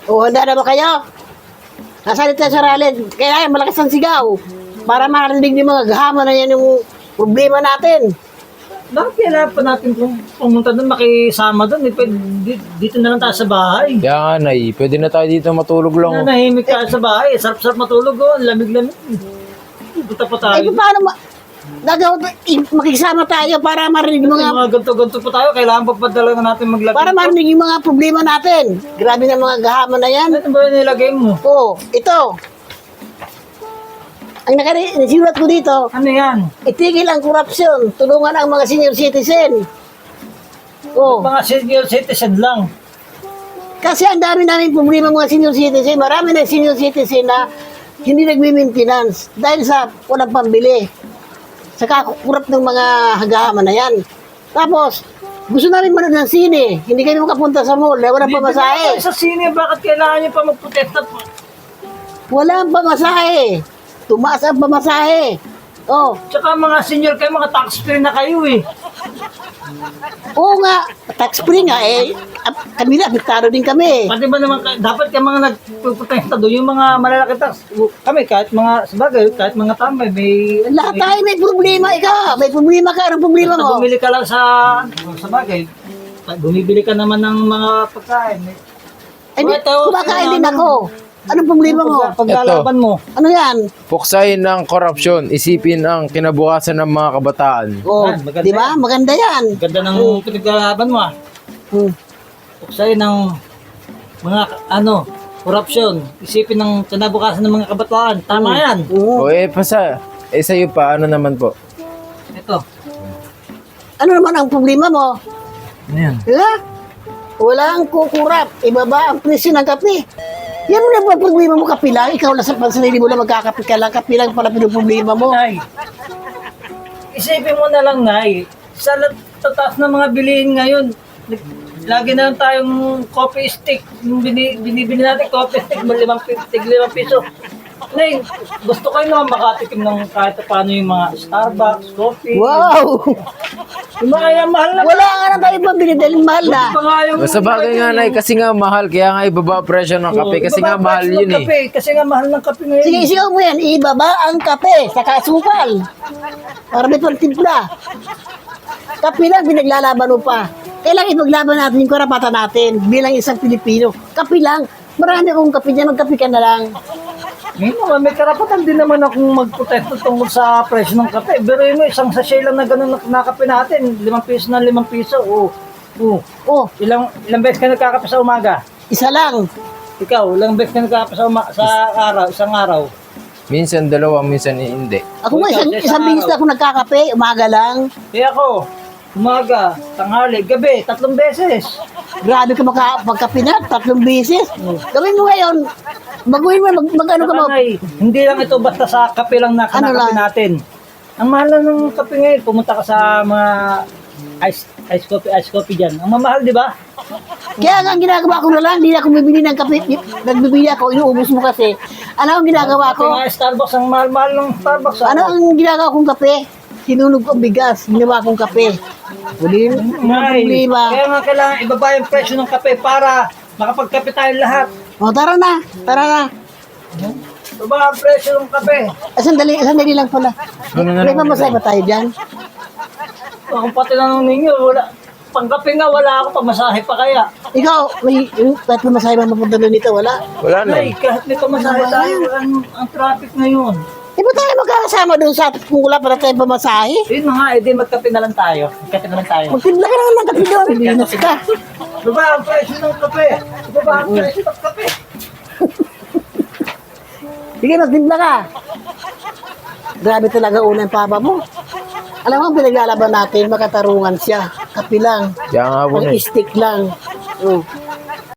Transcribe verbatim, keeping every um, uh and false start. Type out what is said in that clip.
O, handa na ba kayo? Nasalita sa rally, kaya malakas ang sigaw. Para marinig ng mga gahama na yan yung problema natin. Bakit kailangan pa natin kung pumunta doon, makisama doon? Eh, pwede, di- dito na lang tayo sa bahay. Kaya nga, Nay, pwede na tayo dito matulog lang. oh. Nanahimik tayo sa bahay. Sarap-sarap matulog, oh. Lamig-lamig. Punta pa tayo. Eh, paano ma... Gagawa, i- makisama tayo para marinig yung Mga, mga... mga ganto-ganto pa tayo. Kailangan pagpadala na natin maglagay. Para marinig yung mga problema natin. Grabe na mga gahama na yan. Ano ba yung nilagay mo? Oo, ito. Ang nakari, nasimulat ko dito, Ano yan? itigil ang korupsyon, tulungan ang mga senior citizen. Oh, Mga senior citizen lang. kasi ang dami namin problema mga senior citizen. Marami na senior citizen na hindi nagmi-maintenance dahil sa walang pambili. Sa kakurap ng mga hagahama na yan. Tapos, gusto namin manood ng sine. Hindi kami makapunta sa mall. Walang Hindi pamasahe. na sa sine, bakit kailangan nyo pa magprotesta? Walang pamasahe. Tumaas ang pamasahe. Oh, Tsaka mga senior kayo, mga taxpayer na kayo eh. oo nga. Tax free nga eh. Ap- Kami na, apektado din kami. Pati ba naman, kayo- dapat kayo mga nagprotesta doon, yung mga malalaki tax. Kami, kahit mga, sabagay, kahit mga tambay, may... Lahat tayo may problema. Ikaw, may problema ka. Anong problema Basta mo? bumili ka lang sa, sabagay, bumibili ka naman ng mga pagkain. Ay, di- Ito, kumakain din ano- ako. Anong problema mo? Pag, paglalaban mo. Ano yan? Puksayin ng korupsyon, isipin ang kinabukasan ng mga kabataan. Oh, Yan, maganda di ba? Maganda yan. Ganda ng pinaglalaban mo ah. Hmm. Sa'yo ng mga, ano, korupsyon. Isipin ng kinabukasan ng mga kabataan. Tama yan. Oo. O eh, pasa, eh sa'yo pa, ano naman po? Ito. Ano naman ang problema mo? Ano yan? Diba? Walang kukurap. Ibaba ang presyo ng kape. Yan mo na ba problema mo, kape lang? Ikaw lang sa pansarili mo lang magkakape ka lang. Kape lang pala problema mo. Nay, isipin mo na lang, Nay. Sa lat- tataas ng mga bilihin ngayon, nag- lagi na lang tayong coffee stick. Yung bini, binibili natin coffee stick, may limang, pi- tig limang piso. Nay, gusto kayo naman makatikim ng kahit paano yung mga Starbucks, coffee. Wow! Yung mga yan, mahal na. Wala nga na tayo pambili dahil mahal na. Pa nga yung- Sa bagay nga, Nay, kasi nga mahal, kaya nga ibaba ang presyo ng kape, kasi nga Ibaba mahal price ng yun eh. kape, kasi nga mahal ng kape ngayon. Sige, sigaw mo yan. Ibaba ang kape sa kasukal. Para may pagtimpla. Kape lang, pinaglalaban mo pa. Kailangan ipaglaban natin yung karapatan natin bilang isang Pilipino. Kape lang. Marami akong kape dyan. Magkape ka na lang. Ngayon naman, may karapatan din naman akong magprotesto tungkol sa presyo ng kape. Pero yun, isang sachet lang na gano'n na na kape natin, limang piso na limang piso. Oo. Oo. Oh, Ilang, ilang beses ka nagkakape sa umaga? isa lang. Ikaw, ilang beses ka nagkakape sa, uma- sa araw, isang araw? Minsan dalawa, minsan hindi. Ako nga, isang, Ikaw, isang sa bilis na ako nagkakape. Umaga lang. Kaya ako, umaga, tanghali, gabi, tatlong beses. Grabe ka makapagkape na. Tatlong beses. Gawin mo ngayon. Baguhin mo. Mag, mag ano ka mo. Ay, hindi lang ito basta sa kape lang na Ano kinakape lang? natin. Ang mahal na ng kape ngayon, pumunta ka sa mga ice ice coffee, ice coffee dyan. Ang mamahal, di ba? Kaya nga ang ginagawa ko na lang. Hindi na ako bibili ng kape. Nagbibili ako. Inuubos mo kasi. Ano ang ginagawa Kape ko? nga Starbucks, ang mahal-mahal ng Starbucks. ah. Ano ang ginagawa kong kape? Sinunog ko ang bigas. Ginawa kong kape. Wala Ay, problema. kaya nga kailangan ibaba yung presyo ng kape para makapagkape tayo lahat. O, tara na. Tara na. Ibaba ang presyo ng kape. Ah, sandali, sandali lang pala. Ano na May naman? mamasay ba tayo dyan? Kung pati na nung ninyo, wala. Pangkape nga, wala ako, pamasahe pa kaya. Ikaw, may yung kahit mamasay ba mapunta doon dito? Wala. Wala na Ay, eh. kahit may pamasahe tayo, ang, ang traffic ngayon. Di ba tayo magkakasama doon sa kung wala para tayo pamasahe? Yun na nga, edi magkape na lang tayo. Magkape na lang tayo. Magtibla ka naman ng kape doon. Binas ka. Ibaba ang presyo ng kape. Ibaba ang presyo ng kape. Sige, magtibla ka. Grabe talaga unang papa mo. Alam mo, ang pinaglalaban natin, makatarungan siya. Kape lang. Kaya nga po, Ang Nay. stick lang. Oh.